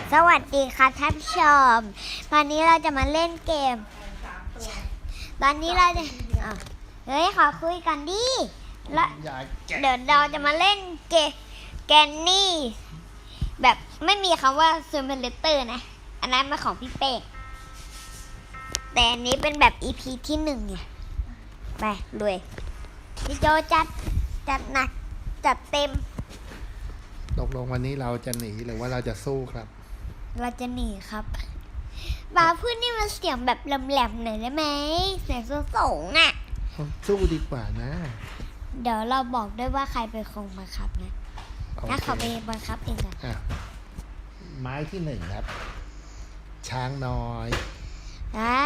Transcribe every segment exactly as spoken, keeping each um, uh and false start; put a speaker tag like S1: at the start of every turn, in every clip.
S1: สวัสดีค่ะท่านผู้ชมวันนี้เราจะมาเล่นเกมตอนนี้เราจะเฮ้ยขอคุยกันดิแล้วเดี๋ยวเราจะมาเล่นเกมแกนนี่แบบไม่มีคำว่าซูเปอร์เลเตอร์นะอันนั้นเป็นของพี่เป้แต่อันนี้เป็นแบบ อี พี ที่หนึ่งไงไปรวยพี่โจจัดจัดหนักจัดเต็ม
S2: ตกลงวันนี้เราจะหนีหรือว่าเราจะสู้ครับ
S1: เราจะหนีครับบาพูดนี่มันเสียงแบบแหลมๆหน่อยได้ไหมเสียงสูงๆอ่ะ
S2: สู้ดีกว่านะ
S1: เดี๋ยวเราบอกด้วยว่าใครเป็นคนบังคับนะถ้าเขาไปบังคับเองกัน
S2: ไม้ที่หนึ่งครับช้างน้อย
S1: นะ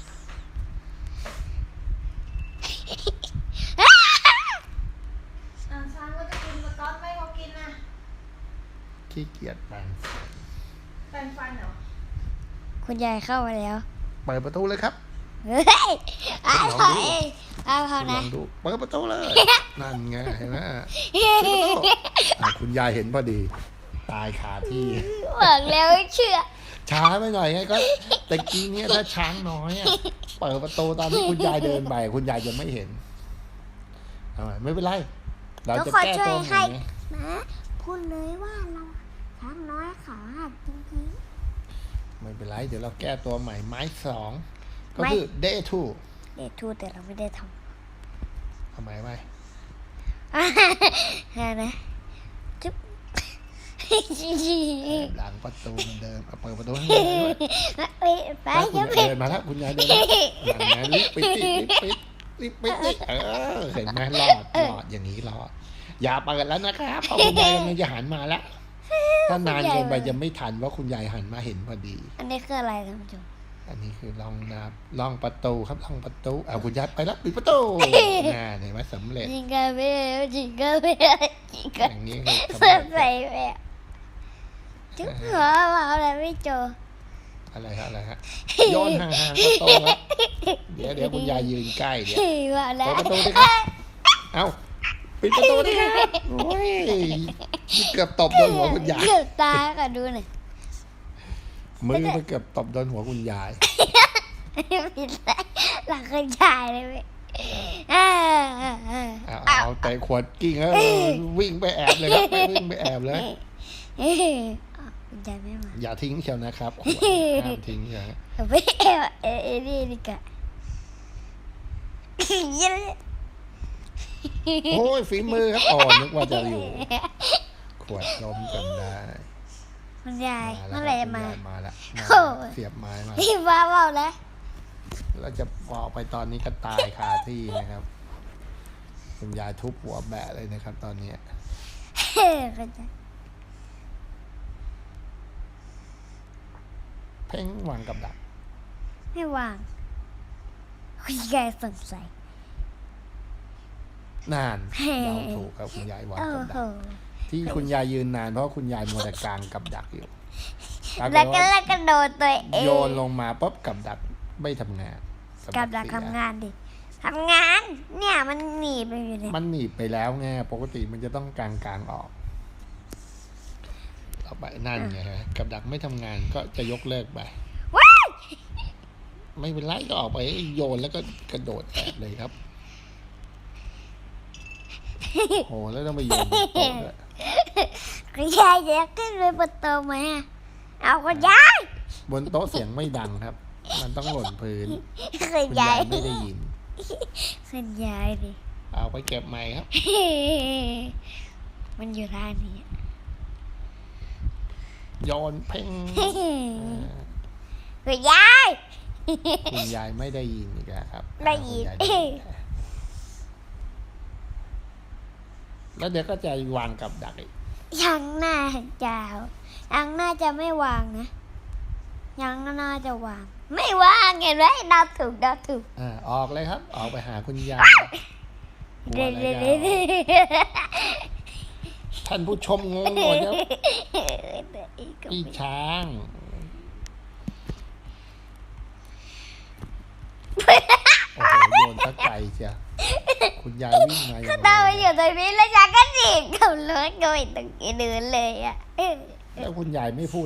S1: ช้างก็จะกินสก๊อตไม่เขากินนะ
S2: ขี้เกียจแปรง
S1: แปรงฟันเหรอคุณยายเข้ามาแล้ว
S2: เปิดประตูเลยครับ
S1: เฮ้ยอ้าวพอเองอ้าวพอนะ
S2: เปิดประตูเลยนั่นไงเห็นไหมคุณยายเห็นพอดีตายคาที่
S1: บอกแล้วเชื่อ
S2: ช้าไปหน่อยไงก็แต่กี้นี้ถ้าช้างน้อยเปิดประตูตอนที่คุณยายเดินไปคุณยายจะไม่เห็นไม่เป็นไรเราจะแก้ตัวใหม่
S1: นะพูดเลยว่าเราช้างน้อยขาหักจริง
S2: ๆไม่เป็นไรเดี๋ยวเราแก้ตัวใหม่ไม้สองก็คือ day two
S1: day two แต่เราไม่ได้ท
S2: ำทำไมไม่
S1: นะจุ๊บ
S2: หลังประตูเหมือนเดิมเปิดประตูให้ด้วย
S1: ไป
S2: เดินมาแล้วคุณยายเดินหลังนั้นรีบไปติรีบไปรีบไปติเออเห็นไหมรอดรอดอย่างนี้รอดอย่าเปิดแล้วนะครับเพราะคุณยายกำลังจะหันมาแล้วถ้านานเกินไปจะไม่ทันว่าคุณยายหันมาเห็นพอดี
S1: อันนี้คืออะไรท่านผู้ชม
S2: อันนี้คือลองนับลองประตูครับลองประตูเอาคุณยายไปแล้วปิดประตูน่าเห็นไหมสำเร็จ
S1: จริงกันไม่จริงกันไม่จริงกัน
S2: อย่างนี้คือ
S1: เปิดไปแบบจุ๊บหัวเราอะไรไม่เจอ
S2: อะไรฮะอะไรฮะโยนห่างๆประตูครับเดี๋ยวเดี๋ยวคุณยายยืนใกล้เดี๋ยวเปิดประตูดิครับเอาปิดประตูดิครับโอ้ยเกือบตบโดนหัวคุณยาย
S1: เกือบตายค่ะดูหน่อย
S2: มือไปเกือบตบโดนหัวคุณยาย
S1: ผิดเลยหลังคุณยายเลยเว้ย
S2: เอาแต่ขวดกิ้งแล้ววิ่งไปแอบเลยครับวิ่งไปแอบเลย
S1: คุณยายไม่มา
S2: อย่าทิ้งเชียวนะครับขวดห้ามทิ้งใช่ไหม
S1: ไม่แอบเอเอนี่ดีกว่า
S2: โอ้ยฝีมือครับอ่อนนึกว่าจะอยู่ขวดล้มกันได้
S1: คุณยายเมื่อไรมา
S2: มาแล้วเสียบไม้มา
S1: พี่บ้าเปล่าแล้ว
S2: เราจะบอกไปตอนนี้ก็ตายคาที่นะครับคุณยายทุบหัวแบะเลยนะครับตอนนี้เพ่งวางกับดัก
S1: ไม่วางคุณยายสงสัย
S2: นานเราถูกครับคุณยายวางกับดักที่คุณยายยืนนานเพราะคุณยายมัวแต่กลางกับดักอยู่
S1: แล้วก็แล้วก็โดนตัวเอง
S2: โยนลงมาปุ๊บกับดักไม่ทำงาน
S1: กับดักทำงานดิทำงานเนี่ยมันหนีไปอยู่เลย
S2: มันหนีไปแล้วไงปกติมันจะต้องกลางกลางออกต่อไปนั่นไงฮะกับดักไม่ทำงานก็จะยกเลิกไปไม่เป็นไรก็ออกไปโยนแล้วก็กระโดดแอบเลยครับโหแล้วต้องไปโยนบนโต๊ะด้วย
S1: คุณยายจะขึ้นไปบนโต๊ะไหมเอาคุณยาย
S2: บนโต๊ะเสียงไม่ดังครับมันต้องหล่นพื้นคุณยายไม่ได้ยิน
S1: คุณยายดิ
S2: เอาไปเก็บใหม่ครับ
S1: มันอยู่ท่านี้
S2: โยนเพ่ง
S1: คุณยาย
S2: คุณยายไม่ได้ยินอีกแล้วครับ
S1: ได้ยิน
S2: แล้วเดี๋ยวก็จะวางกับดักอีก
S1: ยังน่าจะยังน่าจะไม่วางนะยังน่าจะวางไม่วางเห็นไหมดาวถูกดาวถูก
S2: อ่าออกเลยครับออกไปหาคุณยายท่านผู้ชมงงหมดแล้วพี่ช้างโอ้โหโยนตะไคร้เชียวคุณยายวิ่งมาอย่างไรก็
S1: ตามไปอยู่ตรงนี้แล้วฉันก็จีบกับรถโดยตรงนี้เดินเลยอ่ะ
S2: แล้วคุณยายไม่พูด